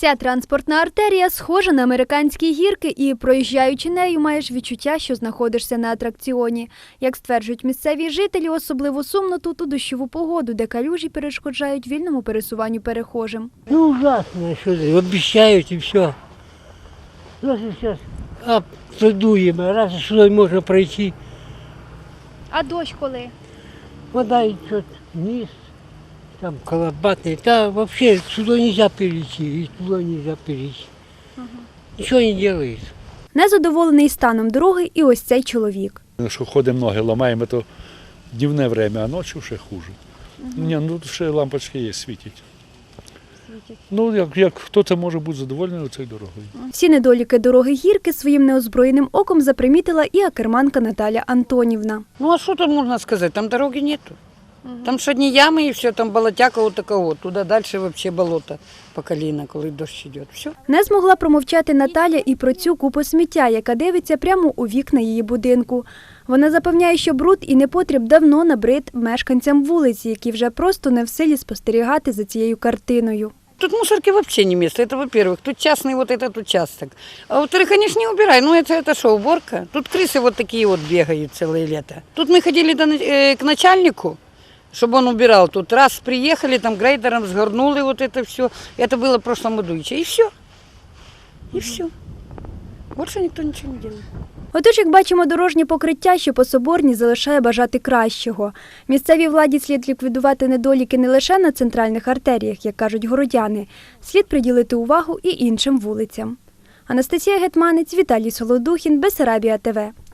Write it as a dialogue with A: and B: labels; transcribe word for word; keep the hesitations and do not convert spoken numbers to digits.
A: Ця транспортна артерія схожа на американські гірки і, проїжджаючи нею, маєш відчуття, що знаходишся на атракціоні. Як стверджують місцеві жителі, особливо сумно тут у дощову погоду, де калюжі перешкоджають вільному пересуванню перехожим.
B: Ну ужасно, що ти, обіцяють і все. Зараз зараз аплодуємо, раз сюди можна пройти.
A: А дощ коли?
B: Вода йде вниз, там колобатный, да вообще сюда нельзя перейти, и туда нельзя перейти. Угу. Ничего не делает.
A: Незадоволений станом дороги і ось цей чоловік.
C: Що ходимо, ноги ламаємо, то дневне время, а ночі ще хуже. Угу. Ні, ну ще лампочки є, світять. Світять. Ну, як, як хто це може бути задоволений цією дорогою.
A: Всі недоліки дороги гірки своїм неозброєним оком запримітила і акерманка Наталя Антонівна.
D: Ну а що тут можна сказати, там дороги нету. Там ж одні ями і все, там болотяка от такого. Туди далі взагалі болото по коліна, коли дощ йде. Все.
A: Не змогла промовчати Наталя і про цю купу сміття, яка дивиться прямо у вікна її будинку. Вона запевняє, що бруд і непотріб давно набрид мешканцям вулиці, які вже просто не в силі спостерігати за цією картиною.
D: Тут мусорки вообще не место, это во-первых. Тут частный вот этот участок. А во-вторых, конечно, не убирай. Ну это, это что, уборка? Тут крысы вот такие вот бегают целое лето. Тут мы ходили до, э, к начальнику, чтобы он убирал. Тут раз приехали, там грейдером сгорнули вот это все. Это было в прошлом году. И все. И все. Больше никто ничего не делает.
A: Отож, як бачимо, дорожнє покриття, що по Соборній, залишає бажати кращого. Місцевій владі слід ліквідувати недоліки не лише на центральних артеріях, як кажуть городяни. Слід приділити увагу і іншим вулицям. Анастасія Гетманець, Віталій Солодухін, Бессарабія ТВ.